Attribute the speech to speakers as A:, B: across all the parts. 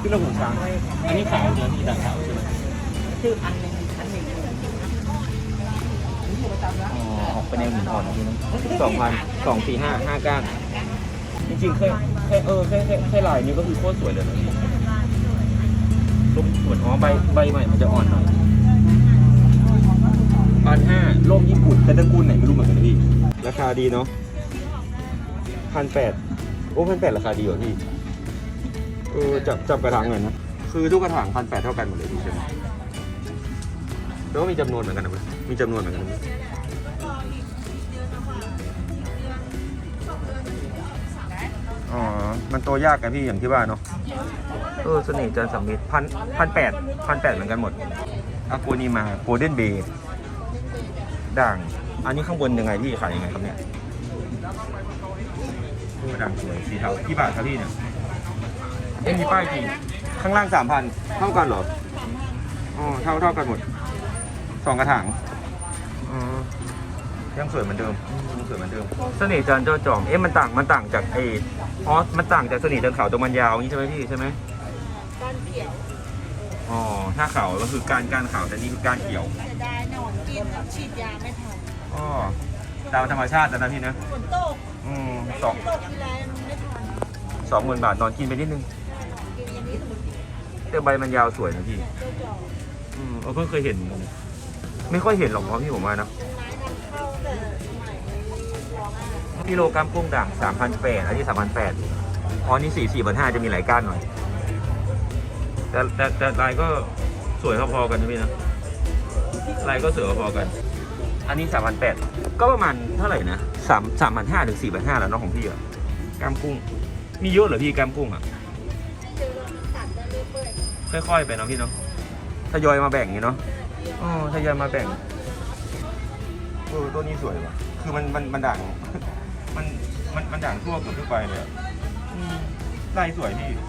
A: ขึ้นแล้วหูช้างอันนี้ขาวเนื้อที่ต่างขาวใช่ไหม
B: คืออันหนึ่ง
A: อ๋อออกไปแนวหินอ่อนนี่นะ2,000 245 5ก้านจริงๆแค่ลายนี้ก็คือโคตรสวยเลยนะร่มสวยอ๋อใบใหม่มันจะอ่อนหน่อย1,500ร่มญี่ปุ่นเป็นตระกูลไหนไม่รู้เหมือนกันนะพี่ราคาดีเนาะ1,800โอ้1,800ราคาดีกว่าพี่จับกระถางหน่อยนะคือทุกกระถาง1,800เท่ากันหมดเลยพี่ใช่ไหมแล้วก็มีจำนวนเหมือนกันนะมีจำนวนเหมือนกันนะอ๋อมันโตยากกันพี่อย่างที่ว่าเนาะเสน่ห์จันทร์สำมิตร1,800เหมือนกันหมดอากูนีมาโกลเด้นเบย์ด่างอันนี้ข้างบนยังไงพี่ขายยังไงครับเนี่ยด่างสวยสีเทากี่บาทครับพี่เนี่ยไม่มีป้ายจริงข้างล่าง 3,000เท่ากันเหรออ๋อเท่ากันหมด2กระถางยังสวยเหมือนเดิมเสน่ห์จันทร์เจ้าจอมมันต่างจากมันต่างจากเสน่ห์จันทร์ขาวตรงมันยาวนี้ใช่ไหมพี่ใช่ไหมก้านเขียวอ๋อถ้าขาวก็คือก้านขาวแต่นี่คือก้านเขียว
B: จะได้นอนกินฉีดยาไม่ทัน
A: อ๋อตามธรรมชาตินะพี่นะ
B: ฝนตกตกทีไรไม่ทัน
A: 20,000 บาทนอนกินไปนิดนึงแต่ใบมันยาวสวยนะพี่เพิ่งเคยเห็นไม่ค่อยเห็นหรอกเพราะพี่ผมว่านะกิโลกรัมกุ้งด่าง 3,800 อันนี้ 3,800อ๋อนี่4,500จะมีหลายก้านหน่อยแต่ลายก็สวยพอๆกันนะพี่นะลายก็สวยพอๆกันอันนี้ 3,800ก็ประมาณเท่าไหร่นะ3,500 ถึง 4,500แล้วเนาะของพี่อะกล้ามกุ้งมีเยอะเหรอพี่กล้ามกุ้งอะค่อยๆไปเนาะพี่เนาะทยอยมาแบ่งอย่างนี้เนาะทยอยมาแบ่งตัวนี้สวยว่ะคือมันด่างมันด่างทั่วเกือบทุกใบเลยลายสวยพี่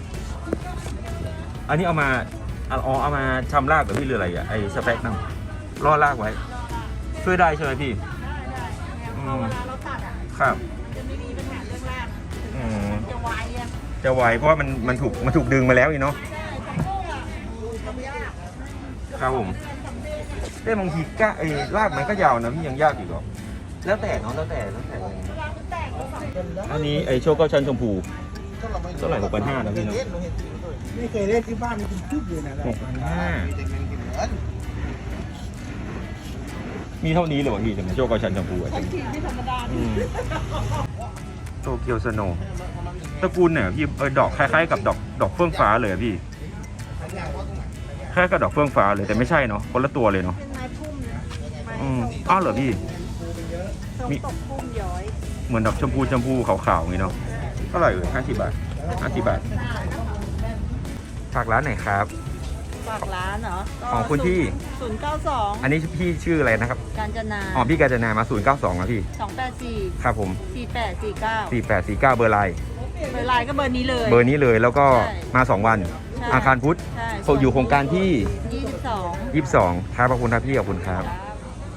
A: อันนี้เอามาชำรากกับพี่เรืออะไรอ่ะไอ้สเปกนั่งล่อรากไว้ช่วยได้ใช่ไหมพี่
B: เวลาเราตัด
A: ครับ
B: จะไม่มีปัญหาเรื่องราก
A: จะไวเพราะว่ามันถูกดึงมาแล้วอีเนาะครับผมแต่บางทีรากมันก็ยาวนะพี่ยังยากอีกหรอแล้วแต่เนาะแล้วแต่อันนี้ไอโชคก็ชั้นชมพูเท่าไหร่6,500นะพี่เนาะ
C: ไม่เคยเล่นที่บ้านมันเป็นคืบอยู่นะ
A: มีเท่านี้เลยวะพี่แต่โชคก็ชั้นชมพูอ่ะไม่ธรรมดาโตเกียวสโนว์ตระกูลเนี่ยพี่ดอกคล้ายๆกับดอกเฟื่องฟ้าเลยพี่แค่กับดอกเฟื่องฟ้าเลยแต่ไม่ใช่เนาะคนละตัวเลยเนาะ
B: เป็นไม้พุ่มนะ
A: อ้าวเหรอพี่
B: มีตกพุ่มย้อย
A: เหมือนดอกชมพูขาวๆอย่างนี้เนาะเท่าไหร่50 บาทฝากร้านไหนครับ
B: ฝากร้านเหรอ
A: ของคุณพี่
B: 092
A: อันนี้พี่ชื่ออะไรนะครับ
B: กาญจนา
A: พี่กาญจนามา092นะพี่
B: 284
A: ครับผม
B: 4849
A: เบอร์ไลน์
B: ก็เบอร์นี้
A: เลยแล้วก็มา2 วันอังคารพุธอยู่โครงการที่
B: 22
A: ครับขอบคุณครับพี่ขอบคุณครับ